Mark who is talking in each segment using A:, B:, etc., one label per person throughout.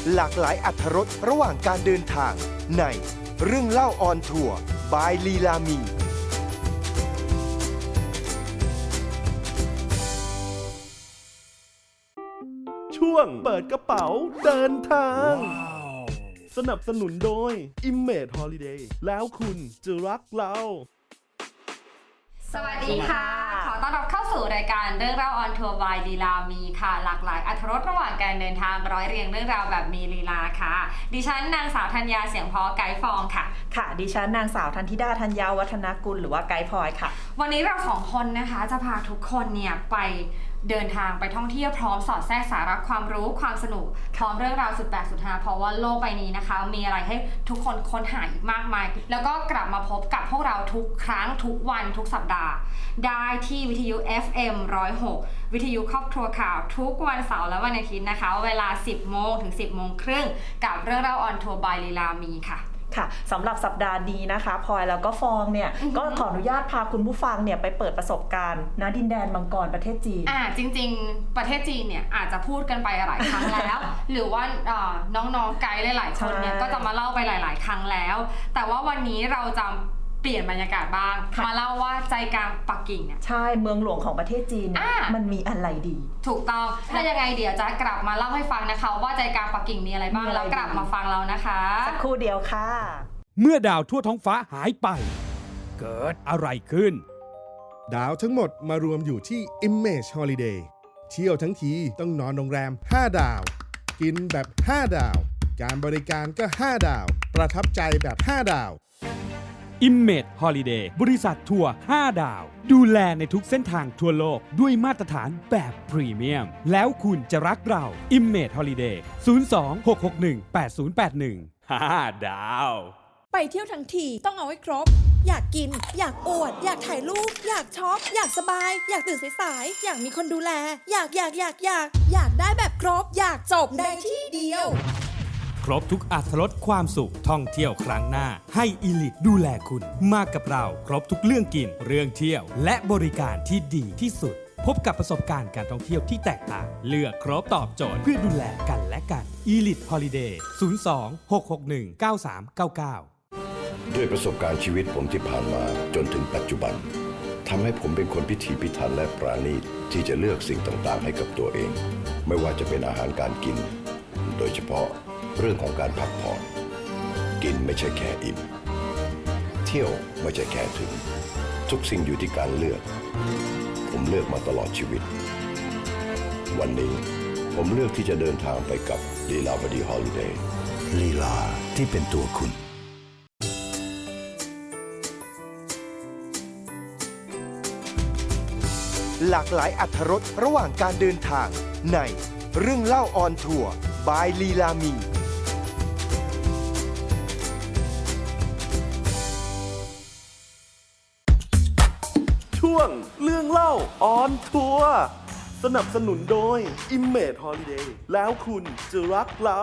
A: หลากหลายอรรถรสระหว่างการเดินทางในเรื่องเล่าออนทัวร์บายลีลามี
B: ช่วงเปิดกระเป๋าเดินทาง สนับสนุนโดย Image Holiday แล้วคุณจะรักเรา
C: สวัสดีค่ะขอต้อนรับเข้าสู่รายการเรื่องเล่าออนทัวร์บายลีลามีค่ะหลากหลายอรรถรสระหว่างการเดินทางร้อยเรียงเรื่องราวแบบมีลีลาค่ะดิฉันนางสาวธัญญาเสียงเพาะไกด์ฟองค่ะ
D: ค่ะดิฉันนางสาวธันธิดาธัญญาวัฒนกุลหรือว่าไกด์พลอยค่ะ
C: วันนี้เราสองคนนะคะจะพาทุกคนเนี่ยไปเดินทางไปท่องเที่ยวพร้อมสอดแทรกสาระความรู้ความสนุกพร้อมเรื่องราวสุดแปลกสุดฮาเพราะว่าโลกใบนี้นะคะมีอะไรให้ทุกคนค้นหาอีกมากมายแล้วก็กลับมาพบกับพวกเราทุกครั้งทุกวันทุกสัปดาห์ได้ที่วิทยุ FM 106 วิทยุครอบครัวข่าวทุกวันเสาร์และวันอาทิตย์นะคะเวลา 10 โมงถึง 10 โมงครึ่งกับเรื่องเล่าออนทัวร์บายลีลามีค่ะ
D: ค่ะสำหรับสัปดาห์นี้นะคะพลอยแล้วก็ฟองเนี่ยก็ขออนุญาตพาคุณผู้ฟังเนี่ยไปเปิดประสบการณ์ณดินแดนมังกรประเทศจีน
C: จริงๆประเทศจีนเนี่ยอาจจะพูดกันไปหลายครั้งแล้ว หรือว่าน้องๆไกด์หลายๆคนเนี่ยก็จะมาเล่าไปหลายๆครั้งแล้วแต่ว่าวันนี้เราจะเปลี่ยนบรรยากาศบ้างมาเล่าว่าใจกลางปักกิ่งเนี่ย
D: ใช่เมืองหลวงของประเทศจีนมันมีอะไรดี
C: ถูกต้องถ้ายังไงเดี๋ยวจะกลับมาเล่าให้ฟังนะคะว่าใจกลางปักกิ่งมีอะไรบ้างแล้วกลับมาฟังเรานะคะ
D: สักครู่เดียวค่ะ
E: เมื่อดาวทั่วท้องฟ้าหายไปเกิดอะไรขึ้น
F: ดาวทั้งหมดมารวมอยู่ที่ Image Holiday เที่ยวทั้งทีต้องนอนโรงแรม5 ดาวกินแบบ5 ดาวการบริการก็5 ดาวประทับใจแบบ5 ดาว
E: Image Holiday บริษัททัวร์5 ดาวดูแลในทุกเส้นทางทั่วโลกด้วยมาตรฐานแบบพรีเมียมแล้วคุณจะรักเรา Image Holiday 02-661-8081 5 ดาว
G: ไปเที่ยวทั้งทีต้องเอาให้ครบอยากกินอยากอวดอยากถ่ายรูปอยากช็อปอยากสบายอยากตื่นสายๆอยากมีคนดูแลอยากได้แบบครบอยากจบในที่เดียว
E: ครบทุกอรรถรสความสุขท่องเที่ยวครั้งหน้าให้อีลิทดูแลคุณมากับเราครบทุกเรื่องกินเรื่องเที่ยวและบริการที่ดีที่สุดพบกับประสบการณ์การท่องเที่ยวที่แตกต่างเลือกครบตอบโจทย์เพื่อดูแลกันและกัน Elite Holiday 02-661-9399
H: ด้วยประสบการณ์ชีวิตผมที่ผ่านมาจนถึงปัจจุบันทำให้ผมเป็นคนพิถีพิถันและปราณีตที่จะเลือกสิ่งต่างๆให้กับตัวเองไม่ว่าจะเป็นอาหารการกินโดยเฉพาะเรื่องของการพักผ่อนกินไม่ใช่แค่อิ่มเที่ยวไม่ใช่แค่ถึงทุกสิ่งอยู่ที่การเลือกผมเลือกมาตลอดชีวิตวันนี้ผมเลือกที่จะเดินทางไปกับลีลาวดีฮอลิเดย์ลีลาที่เป็นตัวคุณ
A: หลากหลายอรรถรสระหว่างการเดินทางในเรื่องเล่าออนทัวร์บายลีลามี
B: ช่วงเรื่องเล่าออนทัวร์สนับสนุนโดย Image Holiday แล้วคุณจะรักเรา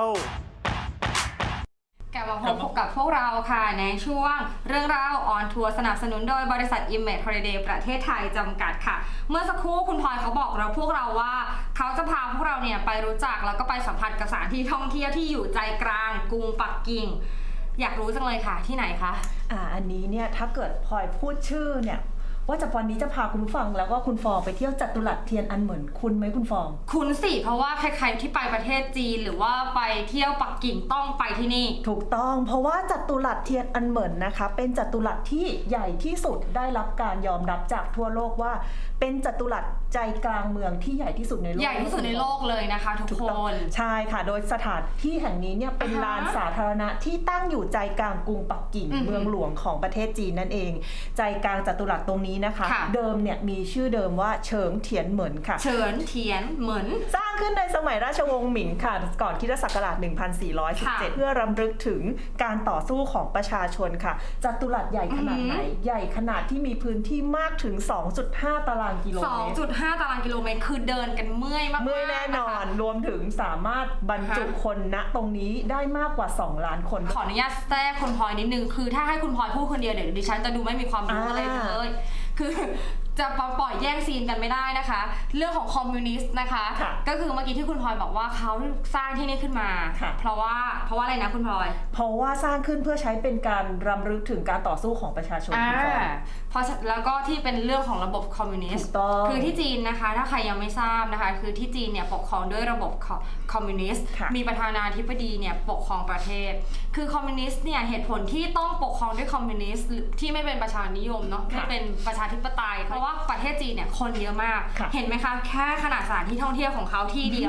C: กลับมาพบกับพวกเราค่ะในช่วงเรื่องราวออนทัวร์สนับสนุนโดยบริษัท Image Holiday ประเทศไทยจำกัดค่ะเมื่อสักครู่คุณพลอยเขาบอกเราพวกเราว่าเขาจะพาพวกเราเนี่ยไปรู้จักแล้วก็ไปสัมผัสกับสถานที่ท่องเที่ยวที่อยู่ใจกลางกรุงปักกิ่งอยากรู้จังเลยค่ะที่ไหนคะ
D: อันนี้เนี่ยถ้าเกิดพลอยพูดชื่อเนี่ยว่าจะวันนี้จะพาคุณผู้ฟังแล้วก็คุณฟองไปเที่ยวจัตุรัสเทียนอันเหมินคุณไหมคุณฟอง
C: คุณสิเพราะว่าใครๆที่ไปประเทศจีนหรือว่าไปเที่ยวปักกิ่งต้องไปที่นี่
D: ถูกต้องเพราะว่าจัตุรัสเทียนอันเหมินนะคะเป็นจัตุรัสที่ใหญ่ที่สุดได้รับการยอมรับจากทั่วโลกว่าเป็นจัตุรัสใจกลางเมืองที่ใหญ่ที่สุดในโลก
C: ใหญ่ที่สุดในโลกเลยนะคะทุกคน
D: ใช่ค่ะโดยสถานที่แห่งนี้เนี่ยเป็นลานสาธารณะที่ตั้งอยู่ใจกลางกรุงปักกิ่งเมืองหลวงของประเทศจีนนั่นเองใจกลางจัตุรัสตรงนี้นะคะเดิมเนี่ยมีชื่อเดิมว่าเฉิงเทียนเหมินค่ะ
C: เฉิงเทียนเหมิน
D: สร้างขึ้นในสมัยราชวงศ์หมิงค่ะก่อนคริสตศักราช 1417 เพื่อรำลึกถึงการต่อสู้ของประชาชนค่ะจัตุรัสใหญ่ขนาดไหนใหญ่ขนาดที่มีพื้นที่มากถึง 2.5 ตารางกิโลเมตร
C: 2.5 ตารางกิโลเมตรคือเดินกันเมื่อยมาก
D: เมื่อยแน่นอนรวมถึงสามารถบรรจุคนณตรงนี้ได้มากกว่า2 ล้านคน
C: ขออนุญาตแทรกคุณพลอยนิดนึงคือถ้าให้คุณพลอยพูดคนเดียวเดี๋ยวดิฉันจะดูไม่มีความรู้อะไรเลยคือจะปล่อยแย่งซีนกันไม่ได้นะคะ เรื่องของคอมมิวนิสต์นะคะ ก็คือเมื่อกี้ที่คุณพลอยบอกว่าเขาสร้างที่นี่ขึ้นมาเพราะว่าอะไรนะคุณพลอย
D: เพราะว่าสร้างขึ้นเพื่อใช้เป็นการรำลึกถึงการต่อสู้ของประชาชน
C: เพราะแล้วก็ที่เป็นเรื่องของระบบคอมมิวนิสต์คือที่จีนนะคะถ้าใครยังไม่ทราบนะคะคือที่จีนเนี่ยปกครองด้วยระบบคอมมิวนิสต์มีประธานาธิบดีเนี่ยปกครองประเทศคือคอมมิวนิสต์เนี่ยเหตุผลที่ต้องปกครองด้วยคอมมิวนิสต์ที่ไม่เป็นประชานิยมเนาะไม่เป็นประชาธิปไตยเพราะว่าประเทศจีนเนี่ยคนเยอะมากเห็นไหมคะแค่ขนาดสถานที่ท่องเที่ยวของเขาที่เดียว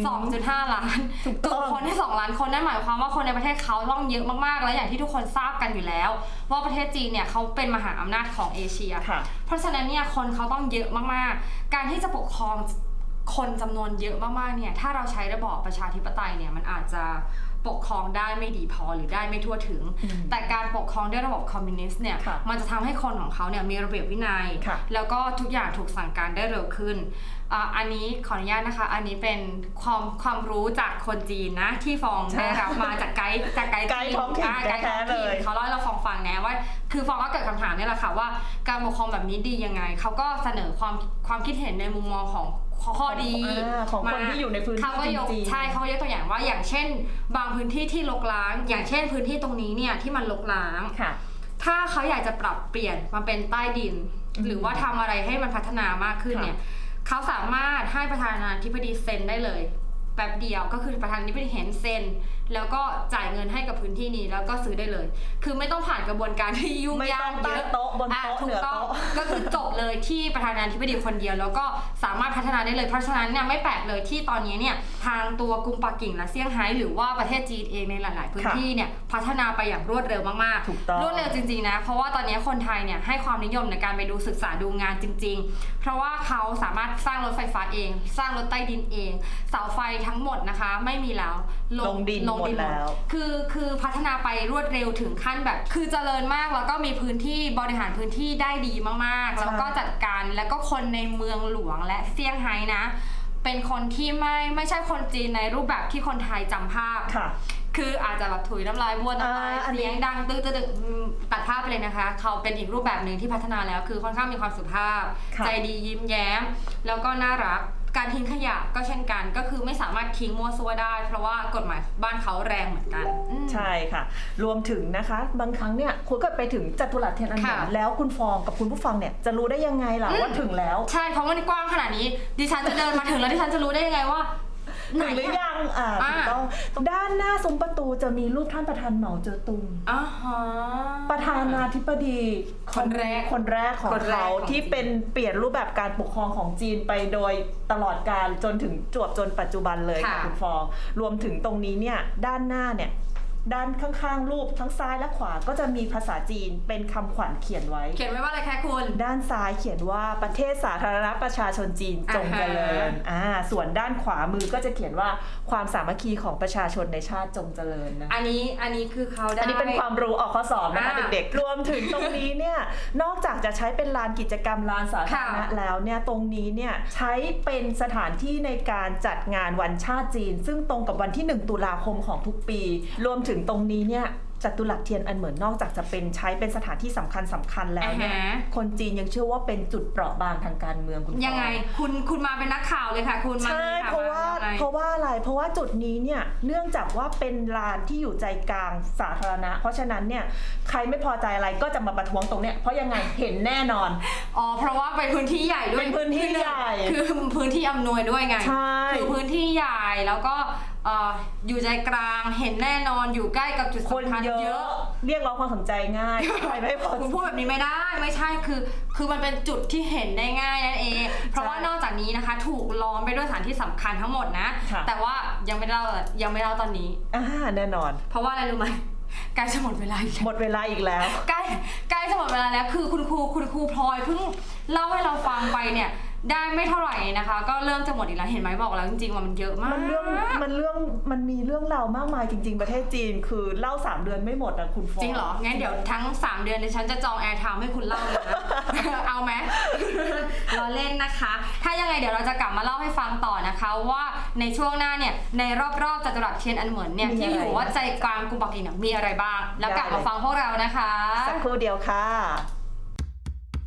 C: 2.5 ล้านตัวคนที่2ล้านคนนั่นหมายความว่าคนในประเทศเขาต้องเยอะมากๆและอย่างที่ทุกคนทราบกันอยู่แล้วว่าประเทศจีนเนี่ยเขาเป็นมหาอำนาจของเอเชียเพราะฉะนั้นเนี่ยคนเขาต้องเยอะมากๆการที่จะปกครองคนจำนวนเยอะมากๆเนี่ยถ้าเราใช้ระบอบประชาธิปไตยเนี่ยมันอาจจะปกครองได้ไม่ดีพอหรือได้ไม่ทั่วถึงแต่การปกครองด้วยระบบคอมมิวนิสต์เนี่ยมันจะทำให้คนของเขาเนี่ยมีระเบียบวินัยแล้วก็ทุกอย่างถูกสั่งการได้เร็วขึ้นอันนี้ขออนุญาตนะคะอันนี้เป็นความรู้จากคนจีนนะที่ฟองได้รับมาจากไกด์จีน
D: ท้องถิ่น
C: เขาเล่าให้เราฟังนะว่าคือฟองก็เกิดคำถามนี่แหละค่ะว่าการปกครองแบบนี้ดียังไงเขาก็เสนอความคิดเห็นในมุมมองของข้อดี
D: ของคนที่อยู่ในพื้นที่จริงๆ
C: ใช่เขายกตัวอย่างว่าอย่างเช่นบางพื้นที่ที่รกร้างอย่างเช่นพื้นที่ตรงนี้เนี่ยที่มันรกร้างถ้าเขาอยากจะปรับเปลี่ยนมาเป็นใต้ดินหรือว่าทำอะไรให้มันพัฒนามากขึ้นเนี่ยเขาสามารถให้ประธานาธิบดีเซ็นได้เลยแป๊บเดียวก็คือประธานาธิบดีเห็นเซ็นแล้วก็จ่ายเงินให้กับพื้นที่นี้แล้วก็ซื้อได้เลยคือไม่ต้องผ่านกระบวนการที่ยุ่งยากเยอะ
D: โต๊ะบนโต๊ะเหนือโต๊ะ
C: ก็คือจบเลยที่ประธานาธิบดีคนเดียวแล้วก็สามารถพัฒนาได้เลยเพราะฉะนั้นเนี่ยไม่แปลกเลยที่ตอนนี้เนี่ยทางตัวกรุงปักกิ่งและเซี่ยงไฮ้หรือว่าประเทศจีนเองในหลายๆพื้นที่เนี่ยพัฒนาไปอย่างรวดเร็วมากๆรวดเร็วจริงๆนะเพราะว่าตอนนี้คนไทยเนี่ยให้ความนิยมในการไปดูศึกษาดูงานจริงๆเพราะว่าเขาสามารถสร้างรถไฟฟ้าเองสร้างรถใต้ดินเองเสาไฟทั้งหมดนะคะไม่มีแล้ว
D: ลงดินหมดแล้ว
C: คือพัฒนาไปรวดเร็วถึงขั้นแบบคือเจริญมากแล้วก็มีพื้นที่บริหารพื้นที่ได้ดีมากๆแล้วก็จัดการแล้วก็คนในเมืองหลวงและเซี่ยงไฮ้นะเป็นคนที่ไม่ใช่คนจีนในรูปแบบที่คนไทยจำภาพคืออาจจะแบบถุยน้ำลายบ้วนน้ำลายเสียงดังตื้อตัดภาพไปเลยนะคะเขาเป็นอีกรูปแบบหนึ่งที่พัฒนาแล้วคือค่อนข้างมีความสุภาพใจดียิ้มแย้มแล้วก็น่ารักการทิ้งขยะก็เช่นกันก็คือไม่สามารถทิ้งมั่วซั่วได้เพราะว่ากฎหมายบ้านเขาแรงเหมือนกัน
D: ใช่ค่ะรวมถึงนะคะบางครั้งเนี่ยคุณก็ไปถึงจัตุรัสเทียนอันเหมินแล้วคุณฟองกับคุณผู้ฟังเนี่ยจะรู้ได้ยังไงล่ะว่าถึงแล้ว
C: ใช่เพราะมันกว้างขนาดนี้ดิฉันจะเดินมาถึงแล้วดิฉันจะรู้ได้ยังไงว่า
D: ถึงหรือยังถูกต้องด้านหน้าซุ้มประตูจะมีรูปท่านประธานเหมาเจ๋อตุงประธานาธิบดีคนแรกของเขาที่เป็นเปลี่ยนรูปแบบการปกครองของจีนไปโดยตลอดกาลจนถึงจนปัจจุบันเลยค่ะคุณฟองรวมถึงตรงนี้เนี่ยด้านหน้าเนี่ยด้านข้างๆรูปทั้งซ้ายและขวาก็จะมีภาษาจีนเป็นคำขวัญเขียนไว้
C: ว่าอะไรคะคุณ
D: ด้านซ้ายเขียนว่าประเทศสาธารณประชาชนจีนจงเจริญส่วนด้านขวามือก็จะเขียนว่าความสามัคคีของประชาชนในชาติจงเจริญนะ
C: อันนี้คือเขาได้
D: อันนี้เป็นความรู้ออกข้อสอบนะคะเด็กๆรวมถึงตรงนี้เนี่ยนอกจากจะใช้เป็นลานกิจกรรมลานสาธารณะแล้วเนี่ยตรงนี้เนี่ยใช้เป็นสถานที่ในการจัดงานวันชาติจีนซึ่งตรงกับวันที่1 ตุลาคมของทุกปีรวมถึงตรงนี้เนี่ยจัตุรัสเทียนอันเหมินนอกจากจะเป็นใช้เป็นสถานที่สำคัญแล้วเนี่ยคนจีนยังเชื่อว่าเป็นจุดเปราะบางทางการเมืองคุณ
C: ยังไงคุณมาเป็นนักข่าวเลยค่ะคุณ
D: ใช่เพราะว่าอะไรเพราะว่าจุดนี้เนี่ยเนื่องจากว่าเป็นลานที่อยู่ใจกลางสาธารณะเพราะฉะนั้นเนี่ยใครไม่พอใจอะไรก็จะมาประท้วงตรงเนี้ยเพราะยังไงเห็นแน่นอน
C: เพราะว่าเป็นพื้นที่ใหญ่ด้วย
D: เป็นพื้นที่ใหญ่
C: คือพื้นที่อำนวยด้วยไงคือพื้นที่ใหญ่แล้วก็อยู่ใจกลางเห็นแน่นอนอยู่ใกล้กับจุดสำคัญเยอะ
D: เรียกร้องความสนใจง่ายใครไม่พอ
C: คุณพูดแบบนี้ไม่ได้ไม่ใช่คือมันเป็นจุดที่เห็นได้ง่ายนั่นเองเพราะว่านอกจากนี้นะคะถูกล้อมไปด้วยสถานที่สำคัญทั้งหมดนะแต่ว่ายังไม่เล่าตอนนี้
D: แน่นอน
C: เพราะว่าอะไรรู้ไหมใกล้จะหมดเวลาอีก
D: แล้ว
C: ใกล้จะหมดเวลาแล้วคือคุณครูพลอยเพิ่งเล่าให้เราฟังไปเนี่ยได้ไม่เท่าไหร่นะคะก็เริ่มจะหมดอีกแล้วเห็นไหมบอกแล้วจริงๆว่ามันเยอะมาก
D: มันมีเรื่องราวมากมายจริงๆประเทศจีนคือเล่า3 เดือนไม่หมดนะคุณฟอง
C: จริงเหรองั้นเดี๋ยวทั้ง3 เดือนดิฉันจะจองแอร์ไทม์ให้คุณเล่าเลยนะ เอาไหม เราเล่นนะคะถ้ายังไงเดี๋ยวเราจะกลับมาเล่าให้ฟังต่อนะคะว่าในช่วงหน้าเนี่ยในรอบๆจัตุรัสเทียนอันเหมินเนี่ยที่อยู่ว่าใจกลางกรุงปักกิ่งมีอะไรบ้างแล้วกลับมาฟังพวกเรานะคะ
D: สักครู่เดียวค่ะ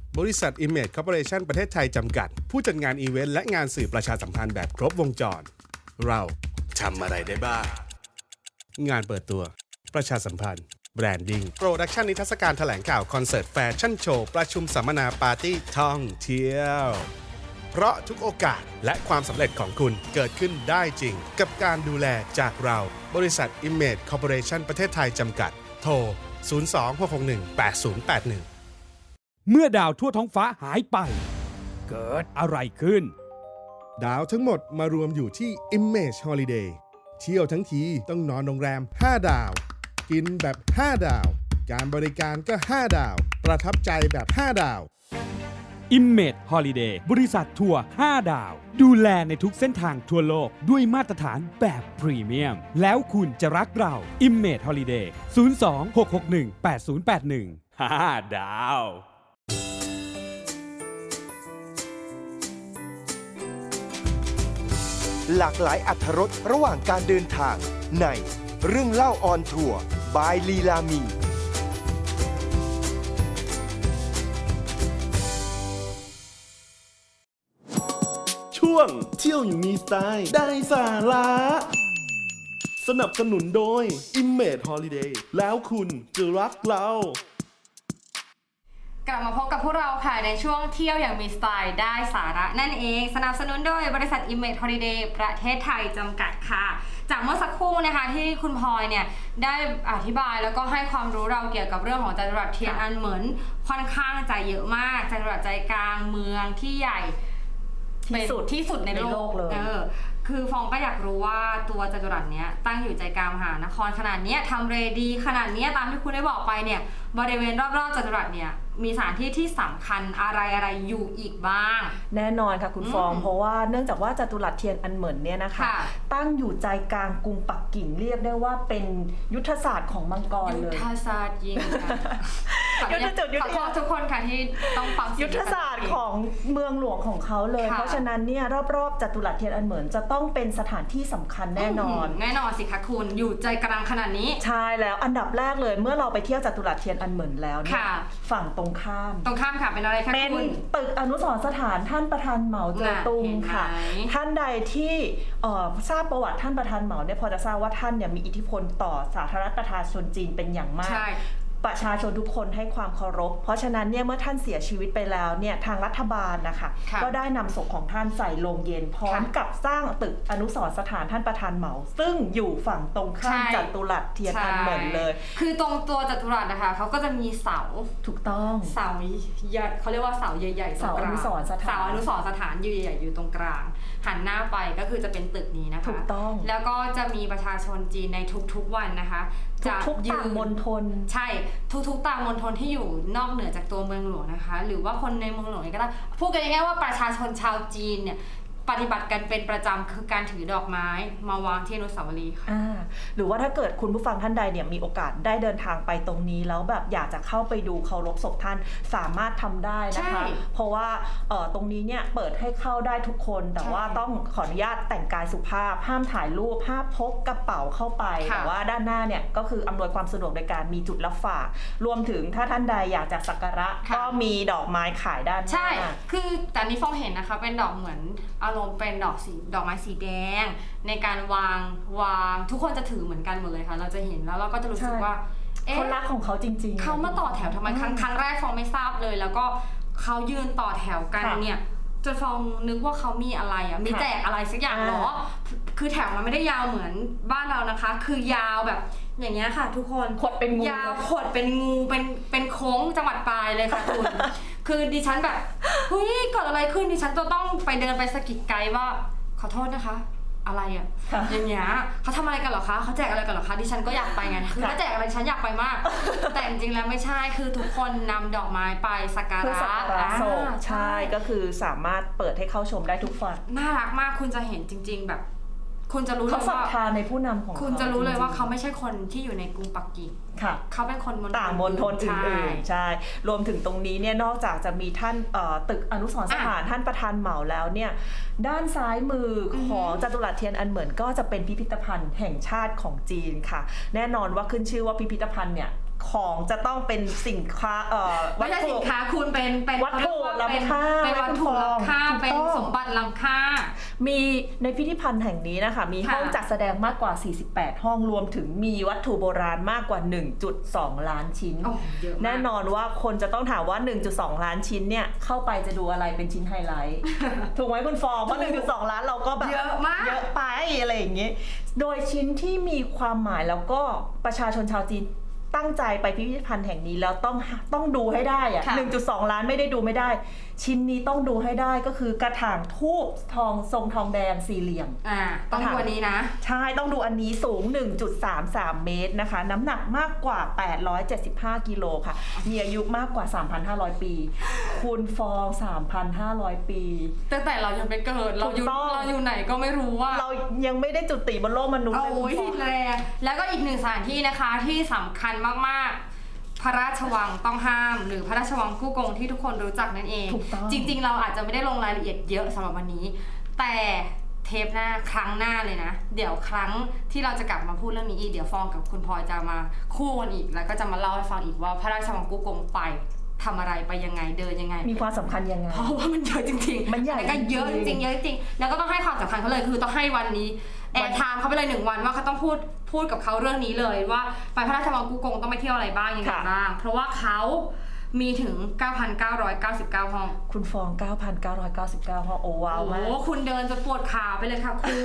F: บริษัท Image Corporation ประเทศไทยจำกัด ผู้จัดงานอีเวนต์และงานสื่อประชาสัมพันธ์แบบครบวงจร เราทำอะไรได้บ้าง งานเปิดตัวประชาสัมพันธ์แบรนดิ้งโปรดักชันนิทรรศการแถลงข่าวคอนเสิร์ตแฟชั่นโชว์ประชุมสัมมนาปาร์ตี้ท่องเที่ยวเพราะทุกโอกาสและความสำเร็จของคุณเกิดขึ้นได้จริงกับการดูแลจากเราบริษัท Image Corporation ประเทศไทยจำกัดโทร 026618081
E: เมื่อดาวทั่วท้องฟ้าหายไป เกิดอะไรขึ้น
F: ดาวทั้งหมดมารวมอยู่ที่ Image Holiday เที่ยวทั้งทีต้องนอนโรงแรม 5 ดาว กินแบบ 5 ดาว การบริการก็ 5 ดาว ประทับใจแบบ 5 ดาว
E: Image Holiday บริษัททัวร์ 5 ดาว ดูแลในทุกเส้นทางทั่วโลกด้วยมาตรฐานแบบพรีเมียม แล้วคุณจะรักเรา Image Holiday 026618081 5 ดาว
A: หลากหลายอรรถรสระหว่างการเดินทางในเรื่องเล่าออนทัวร์บายลีลามี
B: ช่วงเที่ยวอย่างมีสไตล์ได้สาระสนับสนุนโดย Image Holiday แล้วคุณจะรักเรา
C: กลับมาพบกับพวกเราค่ะในช่วงเที่ยวอย่างมีสไตล์ได้สาระนั่นเองสนับสนุนโดยบริษัท Image Holiday ประเทศไทยจำกัดค่ะจากเมื่อสักครู่นะคะที่คุณพลอยเนี่ยได้อธิบายแล้วก็ให้ความรู้เราเกี่ยวกับเรื่องของจัตุรัสเทียนอันเหมินค่อนข้างจะเยอะมากจัตุรัสใจกลางเมืองที่ใหญ่ที่สุดในโลกเลยคือฟองก็อยากรู้ว่าตัวจัตุรัสเนี้ยตั้งอยู่ใจกลางมหานครขนาดนี้ทำเรดีขนาดนี้ตามที่คุณได้บอกไปเนี่ยบริเวณรอบๆจัตุรัสเนี่ยมีสถานที่ที่สำคัญอะไรอยู่อีกบ้าง
D: แน่นอนค่ะคุณฟองเพราะว่าเนื่องจากว่าจัตุรัสเทียนอันเหมินเนี่ยนะคะตั้งอยู่ใจกลางกรุงปักกิ่งเรียกได้ว่าเป็นยุทธศาสตร์ของมังกรเลย
C: ยุทธศาสตร์ยิงขอโทษทุกคนค่ะที่ต้องฟัง
D: ยุทธศาสตร์ของเมืองหลวงของเขาเลยเพราะฉะนั้นเนี่ยรอบๆจัตุรัสเทียนอันเหมินจะต้องเป็นสถานที่สำคัญแน่นอน
C: สิคะคุณอยู่ใจกลางขนาดนี้
D: ใช่แล้วอันดับแรกเลยเมื่อเราไปเที่ยวจัตุรัสเทียนอันเหมินแล้วเนี่ยฝั่งตรงข้าม
C: ค่ะเป็นอะไรคะ
D: เป็นตึกอนุสรณ์สถานท่านประธานเหมาเจ๋อตุงค่ะท่านใดที่ทราบประวัติท่านประธานเหมาเนี่ยพอจะทราบว่าท่านเนี่ยมีอิทธิพลต่อสาธารณรัฐประชาชนจีนเป็นอย่างมากประชาชนทุกคนให้ความเคารพเพราะฉะนั้นเนี่ยเมื่อท่านเสียชีวิตไปแล้วเนี่ยทางรัฐบาลนะคะก็ได้นำศพของท่านใส่โลงเย็นพร้อมกับสร้างตึกอนุสรณ์สถานท่านประธานเหมาซึ่งอยู่ฝั่งตรงข้ามจัตุรัสเทียนอันเหมินเลย
C: คือตรงตัวจัตุรัสนะคะเขาก็จะมีเสา
D: ถูกต้อง
C: เสาเขาเรียกว่าเสาใหญ่ๆ
D: เสาอนุสรณ์สถาน
C: เสาอนุสรณ์สถานใหญ่ๆอยู่ตรงกลางหันหน้าไปก็คือจะเป็นตึกนี้นะคะ
D: ถูกต้อง
C: แล้วก็จะมีประชาชนจีนในทุกๆวันนะคะ
D: ทุกต่างมณฑล
C: ใช่ทุกๆต่างมณฑลที่อยู่นอกเหนือจากตัวเมืองหลวงนะคะหรือว่าคนในเมืองหลวงก็ได้พูดกันง่ายๆว่าประชาชนชาวจีนเนี่ยปฏิบัติกันเป็นประจำคือการถือดอกไม้มาวางที่อนุสาวรีย์ค่ะ
D: หรือว่าถ้าเกิดคุณผู้ฟังท่านใดเนี่ยมีโอกาสได้เดินทางไปตรงนี้แล้วแบบอยากจะเข้าไปดูเคารพศพท่านสามารถทำได้นะคะเพราะว่าตรงนี้เนี่ยเปิดให้เข้าได้ทุกคนแต่ว่าต้องขออนุญาตแต่งกายสุภาพห้ามถ่ายรูปห้ามพกกระเป๋าเข้าไปแต่ว่าด้านหน้าเนี่ยก็คืออำนวยความสะดวกในการมีจุดรับฝากรวมถึงถ้าท่านใดอยากจะสักการะก็มีดอกไม้ขายด้านหน้า
C: ใช่คือแต่นี้ฟองเห็นนะคะเป็นดอกเหมือนอารมณ์เป็นดอกไม้สีแดงในการวางทุกคนจะถือเหมือนกันหมดเลยค่ะเราจะเห็นแล้วเราก็จะรู้สึกว่า
D: เขารักของเขาจริง
C: ๆเขามาต่อแถวทำไมครั้งแรกฟองไม่ทราบเลยแล้วก็เขายืนต่อแถวกันเนี่ยจนฟองนึกว่าเขามีอะไรมีแจกอะไรสักอย่างหรอคือแถวมันไม่ได้ยาวเหมือนบ้านเรานะคะคือยาวแบบอย่างเงี้ยค่ะทุกคน
D: ขดเป็นงู
C: ยาวขดเป็นงูเป็นโค้งจังหวัดปลายเลยค่ะคุณคือดิฉันแบบเฮ้ยเกิดอะไรขึ้นดิฉันจะต้องไปเดินไปสะกิดไกด์ว่าขอโทษนะคะอะไรอ่ะอย่างเงี้ยเขาทำอะไรกันเหรอคะเขาแจกอะไรกันเหรอคะดิฉันก็อยากไปไงคือถ้าแจกอะไรฉันอยากไปมากแต่จริงๆแล้วไม่ใช่คือทุกคนนำดอกไศไปสักการะ
D: ใช่ก็คือสามารถเปิดให้เข้าชมได้ทุกฝ่าย
C: น่ารักมากคุณจะเห็นจริงๆแบบคุณจะรู้เลยว่า
D: เขาศรัทธาในผู้นำของ
C: คุณจะรู้เลยว่าเขาไม่ใช่คนที่อยู่ในกรุงปักกิ่งเขาเป็นคน
D: ต่างมณฑลอื่นๆใช่รวมถึงตรงนี้เนี่ยนอกจากจะมีท่านตึกอนุสรณ์สถานท่านประธานเหมาแล้วเนี่ยด้านซ้ายมือของจัตุรัสเทียนอันเหมินก็จะเป็นพิพิธภัณฑ์แห่งชาติของจีนค่ะแน่นอนว่าขึ้นชื่อว่าพิพิธภัณฑ์เนี่ยของจะต้องเป็นสินค้าวั
C: ไม่
D: ต
C: ใช่
D: ถุ
C: สินค้าคุณเป็น
D: วัตถุ
C: เขาเรียกว่า
D: ล้ำค่า
C: เป็นวัตถุล้ำค่า
D: ถูกต้อง
C: เป็นสมบัติล้ำค่า
D: มีในพิพิธภัณฑ์แห่งนี้นะคะมี
C: ค่ะ
D: ห้องจัดแสดงมากกว่า 48 ห้องรวมถึงมีวัตถุโบราณมากกว่า 1.2 ล้านชิ้น
C: โอ้เยอะมาก
D: แน่นอนว่าคนจะต้องถามว่า 1.2 ล้านชิ้นเนี่ยเข้าไปจะดูอะไรเป็นชิ้นไฮไลท์ ถูกไหมคุณฟองเพราะ 1.2 ล้านเราก็แบบ
C: เยอะมาก
D: เยอะไปอะไรอย่างเงี้ยโดยชิ้นที่มีความหมายแล้วก็ประชาชนชาวจีนตั้งใจไปพิพิธภัณฑ์แห่งนี้แล้วต้องดูให้ได้อะ
C: ค่ะ
D: 1.2 ล้านไม่ได้ดูไม่ได้ ชิ้นนี้ต้องดูให้ได้ก็คือกระถางทูบทองทรงทองแดงสี่เหลี่ยม
C: ต้องดูอันนี้นะ
D: ใช่ ต้องดูอันนี้สูง 1.33 เมตรนะคะ น้ำหนักมากกว่า 875 กิโลค่ะ มีอายุมากกว่า 3,500 ปี คุณฟอง 3,500 ปี
C: ตั้งแต่เรายังไม่เกิด เราอยู่
D: ถูกต้อง
C: เราอยู่ไหนก็ไม่รู้ว่า
D: เรายังไม่ได้จุติบนโลกมนุษย์เลยคุณ
C: โอ้ย
D: ฟอง
C: แรงแล้วก็อีกหนึ่งสถานที่นะคะที่สำคัญมากๆ พระราชวังต้องห้าม หรือพระราชวังกู้กงที่ทุกคนรู้จักนั่นเอง
D: ถูกต้อง
C: จริงๆ เราอาจจะไม่ได้ลงรายละเอียดเยอะสำหรับวันนี้ แต่เทปหน้าครั้งหน้าเลยนะ เดี๋ยวครั้งที่เราจะกลับมาพูดเรื่องนี้อีกเดี๋ยวฟองกับคุณพลอยจะมาคู่กันอีก แล้วก็จะมาเล่าให้ฟังอีกว่าพระราชวังกู้กงไปทำอะไรไปยังไงเดินยังไง
D: มีความสำคัญยังไง
C: เพราะว่ามันเยอะจริงๆ
D: มันใหญ่
C: แล้วก็เยอะจ
D: จริ
C: ริง
D: งๆ
C: ๆเยอะจริงๆแล้วก็ต้องให้ความสำคัญเขาเลยคือต้องให้วันนี้แอร์ไทม์เขาไปเลย1 วันว่าเขาต้องพูดกับเขาเรื่องนี้เลยว่าไปพระราชวังกู้กงต้องไปเที่ยวอะไรบ้างยังไงบ้างเพราะว่าเขามีถึง 9,999 ห้อง
D: คุณฟอง 9,999 ห้องโอ้ว้าว
C: โอ้โห
D: มาก
C: คุณเดินจะปวดขาไปเลยค่ะคุณ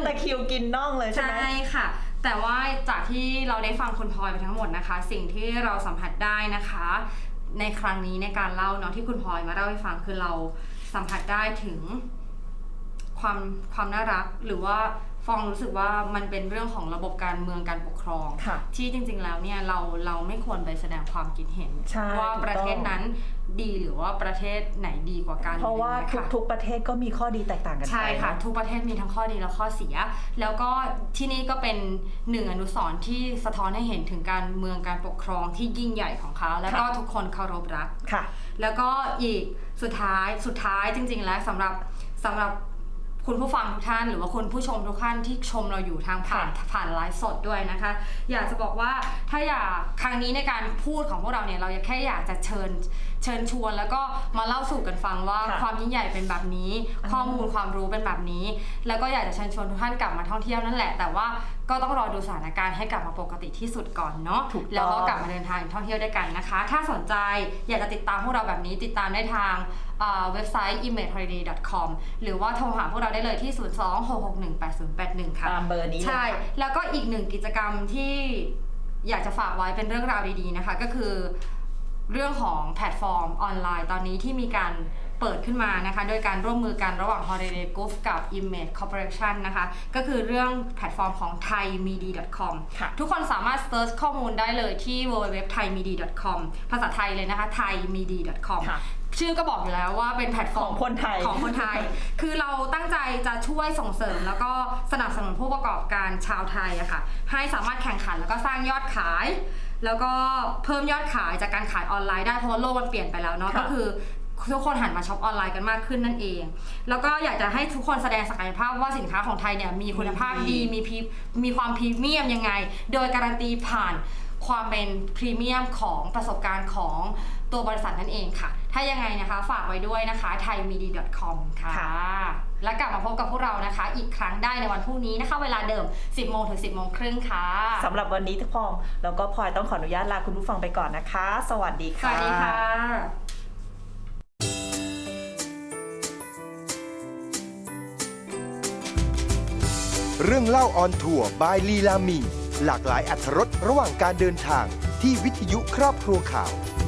D: แต่คิวกินน่องเลยใช่ไหม
C: ใช่ค่ะ แต่ว่าจากที่เราได้ฟังคุณพลอยไปทั้งหมดนะคะ สิ่งที่เราสัมผัสได้นะคะ ในครั้งนี้ในการเล่าเนาะที่คุณพลอยมาเล่าให้ฟังคือเราสัมผัสได้ถึงความน่ารักหรือว่าฟองรู้สึกว่ามันเป็นเรื่องของระบบการเมืองการปกครอง
D: ค่ะ
C: ที่จริงๆแล้วเนี่ยเราไม่ควรไปแสดงความคิดเห็น
D: ใช่
C: ว่า
D: ถูกต้อง
C: ประเทศนั้นดีหรือว่าประเทศไหนดีกว่ากัน
D: เพราะว่า
C: อไอย่งงี้ยค่ะ
D: ทุกๆประเทศก็มีข้อดีแตกต่างกันไป
C: ใช่ค่ะ
D: เนอ
C: ทุกประเทศมีทั้งข้อดีและข้อเสีย แล้วก็ที่นี่ก็เป็นหนึ่งอนุสรณ์ที่สะท้อนให้เห็นถึงการเมืองการปกครองที่ยิ่งใหญ่ของเขา แล้วก็ทุกคนเคารพรัก
D: ค่ะ
C: แล้วก็อีกสุดท้ายจริงๆแล้วสำหรับคุณผู้ฟังทุกท่านหรือว่าคุณผู้ชมทุกท่านที่ชมเราอยู่ทางผ่านไลฟ์สดด้วยนะคะ อยากจะบอกว่าถ้าอยากครั้งนี้ในการพูดของพวกเราเนี่ยเราแค่อยากจะเชิญชวนแล้วก็มาเล่าสู่กันฟังว่า
D: ค่ะ
C: ความยิ่งใหญ่เป็นแบบนี้ ข้อมูลความรู้เป็นแบบนี้ แล้วก็อยากจะเชิญชวนทุกท่านกลับมาท่องเที่ยวนั่นแหละ แต่ว่าก็ต้องรอดูสถานการณ์ให้กลับมาปกติที่สุดก่อนเนาะ
D: ถูกต้อง
C: แล้วก็กลับมาเดินทางท่องเที่ยวด้วยกันนะคะ ถ้าสนใจอยากจะติดตามพวกเราแบบนี้ติดตามได้ทางเว็บไซต์ imageholiday.com หรือว่าโทรหาพวกเราได้เลยที่ 026618081 ค่ะ
D: ตามเบอร์นี้เลย
C: ใช่
D: ค่ะ
C: แล้วก็อีกหนึ่งกิจกรรมที่อยากจะฝากไว้เป็นเรื่องราวดีๆนะคะ ก็คือเรื่องของแพลตฟอร์มออนไลน์ตอนนี้ที่มีการเปิดขึ้นมานะคะโดยการร่วมมือกันระหว่าง Holiday Group กับ Image Corporation นะคะก็คือเรื่องแพลตฟอร์มของ thaimedi.com
D: ค่ะ
C: ทุกคนสามารถเซิร์ชข้อมูลได้เลยที่ www.thaimedi.com ภาษาไทยเลยนะคะ thaimedi.com
D: ค่ะ
C: ชื่อก็บอกอยู่แล้วว่าเป็นแพลตฟอร์ม
D: ของคนไทย
C: ของคนไทย คือเราตั้งใจจะช่วยส่งเสริมแล้วก็สนับสนุนผู้ประกอบการชาวไทยอะค่ะให้สามารถแข่งขันแล้วก็สร้างยอดขาย แล้วก็เพิ่มยอดขายจากการขายออนไลน์ได้เพราะว่าโลกมันเปลี่ยนไปแล้วเนาะ
D: ค่ะ
C: ก็คือทุกคนหันมาช็อปออนไลน์กันมากขึ้นนั่นเอง แล้วก็อยากจะให้ทุกคนแสดงศักยภาพว่าสินค้าของไทยเนี่ยมีคุณภาพดีมีความพรีเมียมยังไง โดยการันตีผ่านความเป็นพรีเมียมของประสบการณ์ของตัวบริษัทนั่นเองค่ะ ถ้ายังไงนะคะฝากไว้ด้วยนะคะ thaimedi.com ค่ะ
D: ค่ะ
C: แล้วกลับมาพบกับพวกเรานะคะ อีกครั้งได้ในวันพรุ่งนี้นะคะ เวลาเดิม 10 โมงถึง 10 โมงครึ่งค่ะ
D: สำหรับวันนี้ทุกคนแล้วก็พลอยต้องขออนุญาตลาคุณผู้ฟังไปก่อนนะคะ สวัสดี
C: ส
D: ค่ะ
C: วัสดีค่ะ
A: เรื่องเล่าออนทัวร์บายลีลามี หลากหลายอรรถรสระหว่างการเดินทางที่วิทยุครอบครัวข่าว